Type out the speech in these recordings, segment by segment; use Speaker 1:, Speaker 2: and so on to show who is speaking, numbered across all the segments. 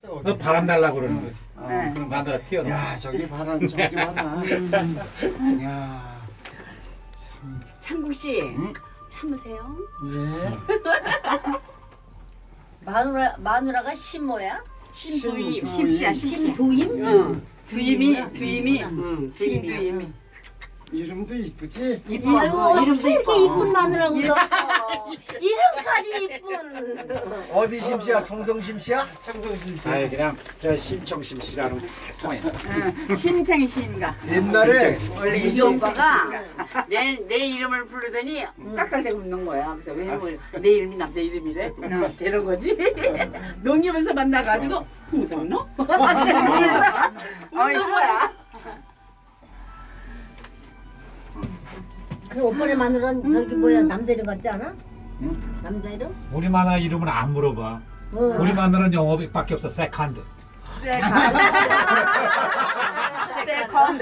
Speaker 1: 너 바람 날라고 그러는 거지. 그럼 마누라 튀어나와.
Speaker 2: 야 저기 바람 저기 바람. 야
Speaker 3: 창국 씨 참으세요.
Speaker 2: 예.
Speaker 4: 마누라가 신모야?
Speaker 3: 신두임.
Speaker 4: 심씨야, 심두임?
Speaker 3: 응. 두임이 심두임이.
Speaker 2: 이름도 이쁘지?
Speaker 4: 이거
Speaker 3: 이름도
Speaker 4: 이렇게
Speaker 3: 이뻐.
Speaker 4: 이쁜 마누라고 없어. 이름까지 이쁜.
Speaker 2: 어디 심씨야? 청성 심씨야?
Speaker 1: 청성 심씨. 아니 그냥 저 심청 심씨라는 거 통해.
Speaker 3: 심창 씨인가.
Speaker 2: 옛날에
Speaker 3: 원래 이 오빠가 내 이름을 부르더니 깍깍대고 웃는 거야. 그래서 왜 내 이름이 남자 이름이래? 되는 거지. 농협에서 만나가지고 무슨 너? 그래서 웃는 거야.
Speaker 4: 그럼 오빠네 마누라는 저기 뭐야 남자 이름 같지 않아? 남자 이름?
Speaker 1: 우리 마누라 이름은 안 물어봐. 우리 마누라는 영어밖에 없어. 세컨드.
Speaker 3: 세컨드.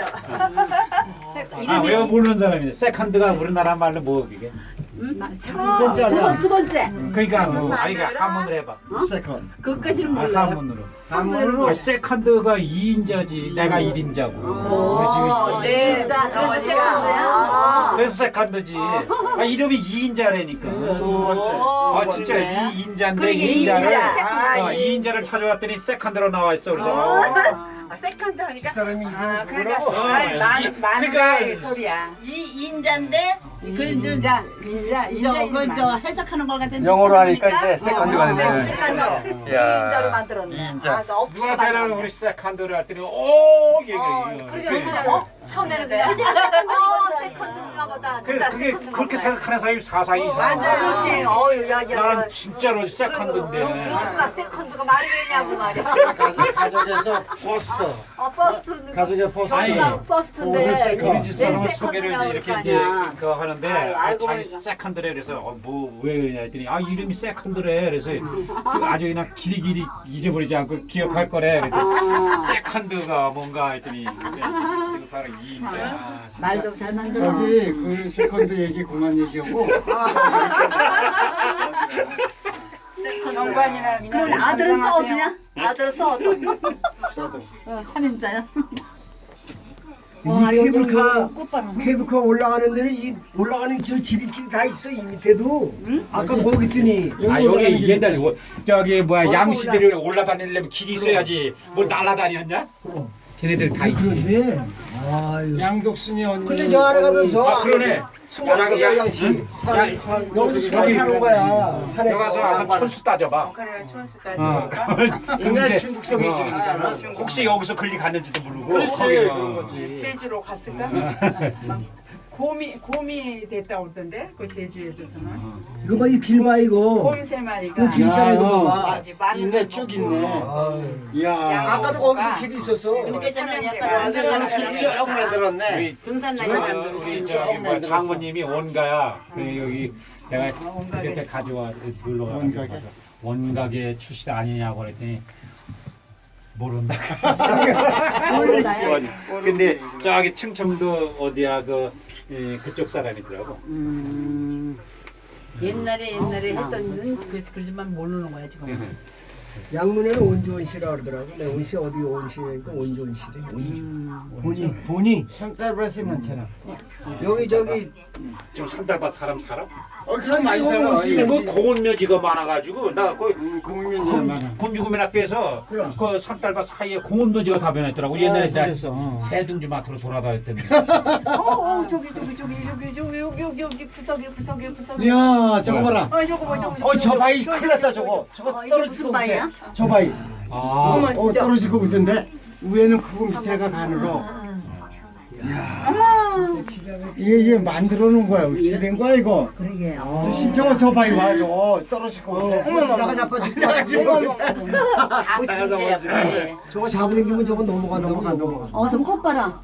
Speaker 1: 왜 모르는 사람이네. 세컨드가 우리나라 말로 뭐 그게?
Speaker 2: 두 번째 아니야?
Speaker 4: 두 번째.
Speaker 1: 그러니까 뭐 아이가 한문으로 해봐.
Speaker 2: 세컨.
Speaker 3: 그것까지는
Speaker 1: 아,
Speaker 3: 몰라요.
Speaker 1: 한문으로.
Speaker 2: 한문으로.
Speaker 1: 아, 세컨드가 2인자지. 내가 1인자고.
Speaker 3: 네.
Speaker 4: 자, 그래서 세컨드야?
Speaker 1: 그래서 세컨드지. 아, 이름이 2인자라니까.
Speaker 2: 두 번째.
Speaker 1: 아 진짜 2인자인데
Speaker 3: 그러게,
Speaker 1: 2인자를
Speaker 3: 2인자.
Speaker 1: 2인자를 찾아왔더니 세컨드로 나와 있어. 그래서
Speaker 3: 세컨드 하니까.
Speaker 2: 집사람이 이름을
Speaker 3: 그러니까
Speaker 2: 뭐라고?
Speaker 3: 많은 소리야. 인자인데 그 인자 이건 저 해석하는 거 같은.
Speaker 5: 영어로 하니까 이제 세컨드가 되네.
Speaker 4: 세컨드.
Speaker 5: 야.
Speaker 4: 이인자로 만들었네.
Speaker 5: 이인자.
Speaker 4: 아, 그
Speaker 1: 누가
Speaker 4: 없이
Speaker 1: 대라는
Speaker 4: 만들었네.
Speaker 1: 우리 세컨드를 했더니 오 얘기해.
Speaker 4: 그러게 그냥 처음에는 그냥 세컨드인가 보다. 진짜
Speaker 1: 그게
Speaker 4: 세컨드인가
Speaker 1: 그렇게
Speaker 4: 보다.
Speaker 1: 생각하는 사람이 사사이 이상.
Speaker 4: 그렇지. 어유 야.
Speaker 1: 나는 진짜로 세컨드인데.
Speaker 4: 교수가 세컨드가 말이 되냐고 말이야.
Speaker 2: 가족에서 포스터.
Speaker 4: 퍼스트.
Speaker 2: 가족의 포스터.
Speaker 1: 아니,
Speaker 4: 퍼스트인데.
Speaker 2: 세컨드.
Speaker 1: 우리 집사람
Speaker 4: 왜
Speaker 1: 소개를
Speaker 4: 세컨드
Speaker 1: 이렇게
Speaker 4: 나올
Speaker 1: 이제
Speaker 4: 거 아니야.
Speaker 1: 그거 하는데
Speaker 3: 알고
Speaker 1: 자기
Speaker 3: 보니까.
Speaker 1: 세컨드래 그래서 뭐 왜 그러냐 했더니 이름이 세컨드래 그래서 그 아주 그냥 길이길이 잊어버리지 않고 기억할 거래 그랬더니 세컨드가 뭔가 했더니 바로 2인자.
Speaker 4: 말도 잘 만들어.
Speaker 2: 저기 그 세컨드 얘기 그만 얘기하고
Speaker 3: 정관이나
Speaker 4: 그럼 아들은 써 어디냐? 아들은 써 어디?
Speaker 2: 써도.
Speaker 4: 3인자야.
Speaker 6: 이 케이블카 올라가는 데는 이 올라가는 저 지름길이 다 있어 이 밑에도. 아까 거기 있더니
Speaker 1: 아 여기 옛날 저기 뭐야 양시들이 올라다니려면 길이 있어야지 뭘 날아다녔냐? 걔네들 다 있지.
Speaker 6: 그런데 아유.
Speaker 2: 양독순이 언니.
Speaker 6: 근데 저 안에 가서 저
Speaker 1: 아 그러네.
Speaker 6: 양양시 여기서 수박 사는 거야. 산에서.
Speaker 1: 여기 가서 한번 천수 따져봐.
Speaker 3: 그래 촌수까지.
Speaker 2: 옛날 중국성 얘기잖아.
Speaker 1: 혹시 여기서 걸리 갔는지도 모르고.
Speaker 2: 그렇지 그런 거지.
Speaker 3: 제주로 갔을까? 막 곰이 됐다 오던데 그 제주에서는
Speaker 6: 이거 봐 이 길 봐 이거.
Speaker 3: 곰 세 마리가.
Speaker 6: 이거 길 있잖아 이거 봐.
Speaker 3: 저기 많은
Speaker 2: 있네
Speaker 3: 거
Speaker 2: 쭉
Speaker 3: 먹고.
Speaker 2: 있네.
Speaker 6: 아유.
Speaker 2: 이야.
Speaker 6: 아까도 거기도 길이 있었어.
Speaker 3: 그때는
Speaker 2: 완전 길쭉 만들었네.
Speaker 1: 우리
Speaker 3: 등산
Speaker 1: 저,
Speaker 3: 나이
Speaker 1: 우리 저기 뭐 장모님이 원가야. 그래 여기 내가 그때 가져와 놀러
Speaker 2: 원가게?
Speaker 1: 가서 원가게 출신 아니냐고 그랬더니 모른다.
Speaker 4: 모른다요?
Speaker 1: 근데 저기 충청도 어디야 그쪽 사람이더라고.
Speaker 3: 옛날에 했던 그러지만 모르는 거야 지금.
Speaker 6: 양문에는 온주원 씨라 그러더라고. 내 온씨 어디 온씨니까 온주원 씨래. 본이
Speaker 2: 산딸밭이 많잖아.
Speaker 6: 여기 저기
Speaker 1: 좀 산달밭 사람 살아?
Speaker 2: 사람 많이 살아.
Speaker 1: 근데 뭐 공원묘지가 많아가지고 나 거의
Speaker 2: 국민들 많아.
Speaker 1: 군주구민학교에서
Speaker 6: 그럼.
Speaker 1: 그 산달밭 사이에 공원묘지가 다 변했더라고. 옛날에 내가
Speaker 2: 그래서.
Speaker 1: 새둥지 마트로 돌아다녔더니.
Speaker 3: 저기 여기 구석이.
Speaker 2: 이야 저거 봐라.
Speaker 3: 저거 봐.
Speaker 2: 저 바위 큰일 났다 저거. 저거
Speaker 4: 이게
Speaker 2: 떨어질
Speaker 4: 무슨
Speaker 2: 거 같아.
Speaker 4: 바위야?
Speaker 2: 저 바위.
Speaker 1: 아,
Speaker 3: 진짜.
Speaker 2: 떨어질 거 같은데 위에는 크고 밑에가 가늘어. 이게 만들어 놓은 거야. 어떻게 된 거야 이거?
Speaker 4: 그러게.
Speaker 2: 저 신청은 저 바위 와. 저 떨어질 거 같아.
Speaker 6: 나가 잡아줄게.
Speaker 3: 다 문제야.
Speaker 6: 저거 잡아당기면 저거 넘어가.
Speaker 4: 어서 꽃 봐라.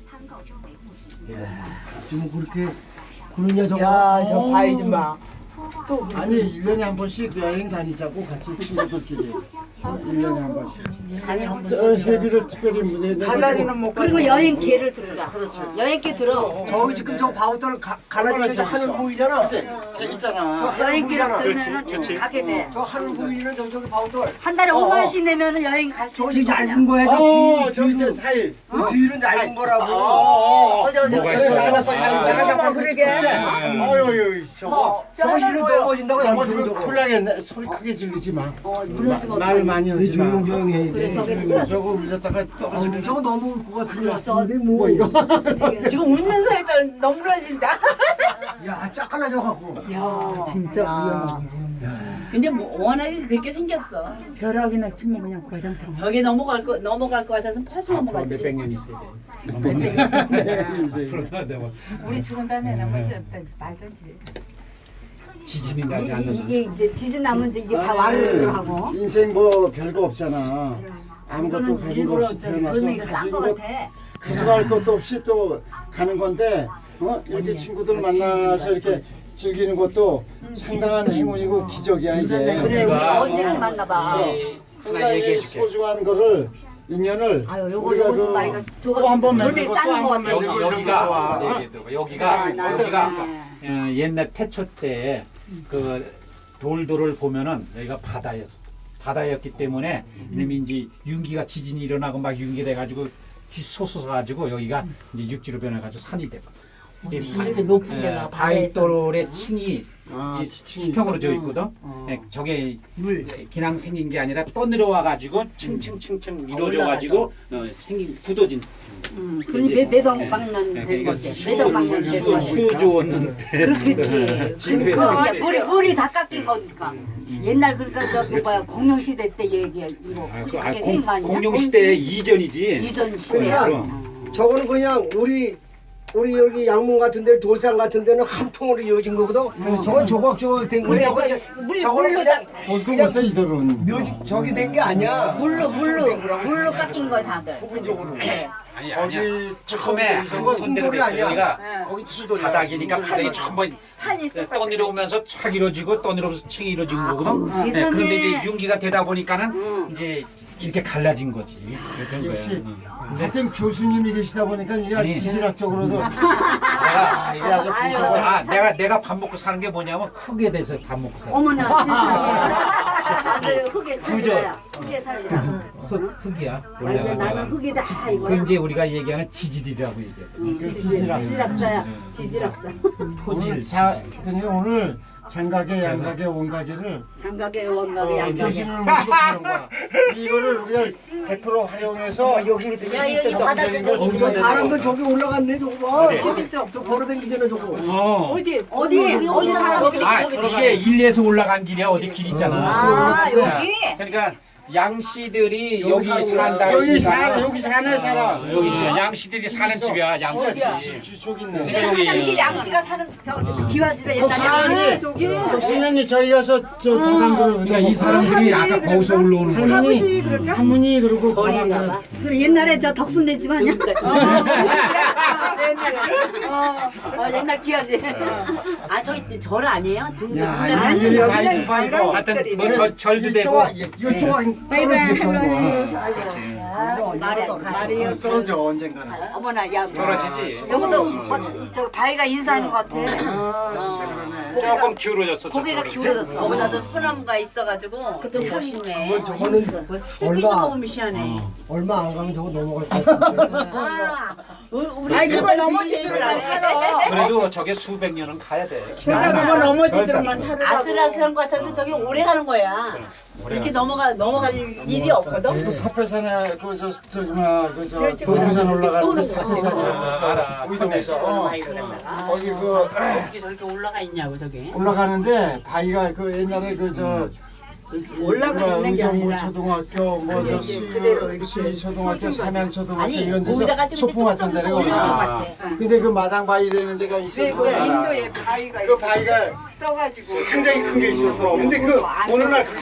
Speaker 6: 지금 그렇게 그러냐 저거.
Speaker 3: 야저 바위 좀 봐.
Speaker 2: 아니 1년에 한 번씩 여행 다니자고 같이 친구들끼리. 1년에 한 번씩. 저 세비를 특별히 무대에 내고.
Speaker 4: 그리고 여행 기회를 들자. 여행 기회 들어.
Speaker 6: 저기 지금 저 바우터를 갈라지면서 하늘 보이잖아.
Speaker 2: 재밌잖아.
Speaker 4: 여행 기회를
Speaker 1: 그렇지,
Speaker 4: 들면은
Speaker 1: 그렇지.
Speaker 4: 가게 돼.
Speaker 6: 저 하늘 보이는 저기 바우터.
Speaker 4: 한 달에 5만 원씩 내면은 여행 갈 수
Speaker 6: 저기
Speaker 4: 있는
Speaker 6: 얇은
Speaker 4: 거야.
Speaker 6: 거야. 저
Speaker 2: 저기
Speaker 6: 뒤로.
Speaker 2: 사이.
Speaker 6: 그 뒤는 얇은 거라고.
Speaker 4: 어디
Speaker 1: 뭐가
Speaker 2: 저기
Speaker 1: 있어?
Speaker 2: 나가서 나가서
Speaker 1: 아,
Speaker 2: 그러게. 어유 저거.
Speaker 6: 저거 이름 넘어진다고
Speaker 2: 넘어지면
Speaker 6: 넘어지면
Speaker 2: 큰일 나겠네. 소리 크게 지르지 마.
Speaker 4: 무너지면
Speaker 2: 말 많이 하지 마.
Speaker 6: 조용조용해.
Speaker 4: 그래 저게
Speaker 2: 저거 울렸다가 떨어지면
Speaker 6: 저거 너무 울 것 같은데 뭐 이거.
Speaker 3: 지금 울면서 했더니 너무러진다.
Speaker 6: 야 짝갈라져 갖고.
Speaker 3: 야 진짜 위험하고. 근데 뭐 워낙에 그렇게 생겼어.
Speaker 7: 벼락이나 치면 그냥 과장처럼.
Speaker 3: 저게 넘어갈 것 같아서 퍼스 넘어갔지.
Speaker 1: 몇백 년 있어야 돼. 앞으로도 내가
Speaker 7: 우리 죽은 다음에 나머지 없다. 말든지.
Speaker 1: 지진이 나지 않는
Speaker 4: 이게 이제 지진 나면 이제 이게 다 와르르 하고.
Speaker 2: 인생 뭐 별거 없잖아. 아무것도
Speaker 4: 이거는
Speaker 2: 가진 거
Speaker 4: 일부러
Speaker 2: 없이
Speaker 4: 저
Speaker 2: 태어나서
Speaker 4: 돌멩이가 싼 거 같아.
Speaker 2: 가져갈 것도 없이 또 가는 건데 이렇게 친구들 만나서 이렇게 즐기는 것도 상당한 행운이고 기적이야 이게.
Speaker 4: 그래 우리
Speaker 1: 우리가
Speaker 4: 언제쯤 만나봐.
Speaker 1: 하나
Speaker 2: 그러니까 이
Speaker 1: 얘기해줄게.
Speaker 2: 소중한 거를 인연을
Speaker 4: 아유 요거
Speaker 2: 우리가
Speaker 4: 요거 좀 많이 가. 저거
Speaker 2: 또한번
Speaker 4: 돌멩이
Speaker 2: 만들고
Speaker 4: 싼
Speaker 2: 또 한
Speaker 4: 거
Speaker 2: 번
Speaker 4: 같아.
Speaker 2: 만들고 이런 게 좋아.
Speaker 1: 여기가 옛날 태초 때 그 돌돌을 보면은 여기가 바다였기 때문에 이놈이 이제 윤기가 지진이 일어나고 막 윤기 돼가지고 뒤솟아가지고 여기가 이제 육지로 변해가지고 산이 되고
Speaker 3: 이렇게 높은 데가
Speaker 1: 바위돌의 층이
Speaker 2: 아,
Speaker 1: 이
Speaker 2: 지층이
Speaker 1: 수평으로
Speaker 2: 있어.
Speaker 1: 져 있거든. 예, 저게 물 그냥 생긴 게 아니라 떠내려와가지고 층층층층 이루어져가지고 생긴 굳어진.
Speaker 4: 그러니 매덕 박는 된
Speaker 1: 그러니까
Speaker 4: 거지. 매덕 박는 된 거지.
Speaker 1: 수 좋았는데.
Speaker 4: 그렇겠지.
Speaker 1: 집에서
Speaker 4: 물이 다 깎인 거니까. 옛날 그러니까 저기 뭐야 공룡 시대 때 얘기 이거 그렇게 생긴 거 아니야?
Speaker 1: 공룡 시대 이전이지.
Speaker 4: 이전 시대.
Speaker 1: 그럼.
Speaker 6: 저거는 그냥 우리 여기 양문 같은 데 돌산 같은 데는 한 통으로 이어진 거거든. 저건 조각조각 된 거야. 저거는 그냥
Speaker 2: 돌도 벌써 이대로는.
Speaker 6: 묘지 저기 된 게 아니야.
Speaker 4: 물로 깎인 거 다들.
Speaker 6: 부분적으로.
Speaker 1: 아니야.
Speaker 2: 거기
Speaker 1: 처음에
Speaker 6: 저건
Speaker 1: 한톤 데가
Speaker 6: 통돌이
Speaker 1: 됐어요.
Speaker 6: 아니야.
Speaker 1: 여기가
Speaker 2: 거기 투수돌이
Speaker 1: 바닥이니까 바닥이 전부 떠내려오면서 착 이루어지고 떠내려오면서 층이 이루어진 거거든.
Speaker 4: 어우, 세상에.
Speaker 1: 그런데 이제 윤기가 되다 보니까는 이제 이렇게 갈라진 거지. 그런 거야.
Speaker 2: 역시
Speaker 1: 응.
Speaker 2: 하여튼 교수님이 계시다 보니까 이게
Speaker 1: 아니.
Speaker 2: 지질학적으로도
Speaker 1: 내가
Speaker 2: 이게 아주 분석을
Speaker 1: 내가 밥 먹고 사는 게 뭐냐면 흙에 대해서 밥 먹고 살아.
Speaker 4: 어머나 세상에. 다들 흙에
Speaker 1: 그죠?
Speaker 4: 살리라. 흙에 살리라.
Speaker 1: 흙이야.
Speaker 4: 완전 나는
Speaker 1: 올라가다가.
Speaker 4: 흙이다
Speaker 1: 그
Speaker 4: 이거야.
Speaker 1: 이제 우리가 얘기하는 지질이라고 얘기해.
Speaker 4: 지질학자야. 지질학자.
Speaker 1: 토질.
Speaker 2: 그러니까 오늘 장가게 양가게 원가게를
Speaker 4: 장가게 원가게 양가게.
Speaker 2: 교수님을 모시고 하는 거야. 이거를 우리가 100% 활용해서
Speaker 4: 야 여기 바닥에
Speaker 6: 저 사람들 저기 올라갔네 저거 봐.
Speaker 1: 어디?
Speaker 6: 저기 있어. 저 걸어다니잖아 저거.
Speaker 4: 어디 사람들이
Speaker 1: 이게 일리에서 올라간 길이야. 어디 길 있잖아.
Speaker 4: 아 여기.
Speaker 1: 그러니까 양씨들이
Speaker 2: 여기
Speaker 1: 여기
Speaker 2: 사는
Speaker 1: 산다.
Speaker 2: 여기 살아 여기 사는 사람
Speaker 1: 여기 양씨들이 사는 집이야. 양씨 집.
Speaker 2: 저기 있네.
Speaker 1: 그러니까
Speaker 4: 이게
Speaker 1: 여기
Speaker 4: 양씨가 사는 저 기와집에 옛날에.
Speaker 2: 덕신언니 저희 가서 저 밥한그릇
Speaker 1: 그러니까 이 사람들이 아까 거기서 올라오는 거야.
Speaker 2: 할머니 그리고 밥한그릇
Speaker 4: 그래 옛날에 저 덕순네 집 아니야? 옛날 기와집.
Speaker 3: 아 저기 절 아니에요? 등등.
Speaker 2: 야 이거 바이스 바이고
Speaker 1: 하여튼 뭐 절도 되고.
Speaker 2: 이쪽 떨어지겠어
Speaker 4: 말이요.
Speaker 2: 떨어져 언젠가는
Speaker 4: 어머나 야.
Speaker 1: 떨어지지.
Speaker 4: 여기도 저 바위가 인사하는 것 같아.
Speaker 1: 조금 기울어졌어.
Speaker 4: 고개가
Speaker 1: 저쪽으로.
Speaker 4: 기울어졌어.
Speaker 3: 거기다도 소나무가 있어가지고
Speaker 4: 그것도
Speaker 3: 멋있네.
Speaker 6: 저거는
Speaker 3: 뭐 새끼도 너무 미시하네.
Speaker 6: 얼마 안 가면 저거 넘어갈 것 같은데.
Speaker 3: 우리 그걸 넘어지도록 안 살아.
Speaker 1: 그래도 저게 수백 년은 가야 돼.
Speaker 3: 그걸 넘어지도록만 살아. 아슬아슬한 것 같아도 저기 오래 가는 거야. 이렇게 넘어갈 일이 없거든.
Speaker 2: 또 사패산에 그저 저기 그저 도봉산 올라가는데 사패산이라고 있어 우이동에서 거기 그
Speaker 3: 어떻게 저렇게 올라가 있냐고 저게.
Speaker 2: 올라가는데 바위가 그 옛날에 그저
Speaker 3: 올라가 있는 게
Speaker 2: 의정부
Speaker 3: 아니라
Speaker 2: 초등학교 뭐저 수위 초등학교 삼양 초등학교
Speaker 3: 아니
Speaker 2: 이런
Speaker 3: 거기다가
Speaker 2: 데서
Speaker 3: 좀
Speaker 2: 소풍 같은 데가
Speaker 3: 올라온 것
Speaker 2: 올라.
Speaker 3: 같아.
Speaker 2: 근데 그 마당 바위라는 데가 있었는데
Speaker 7: 인도에 바위가
Speaker 2: 그 바위가
Speaker 7: 떠가지고
Speaker 2: 상당히 큰 게 있었어. 근데 그 어느 날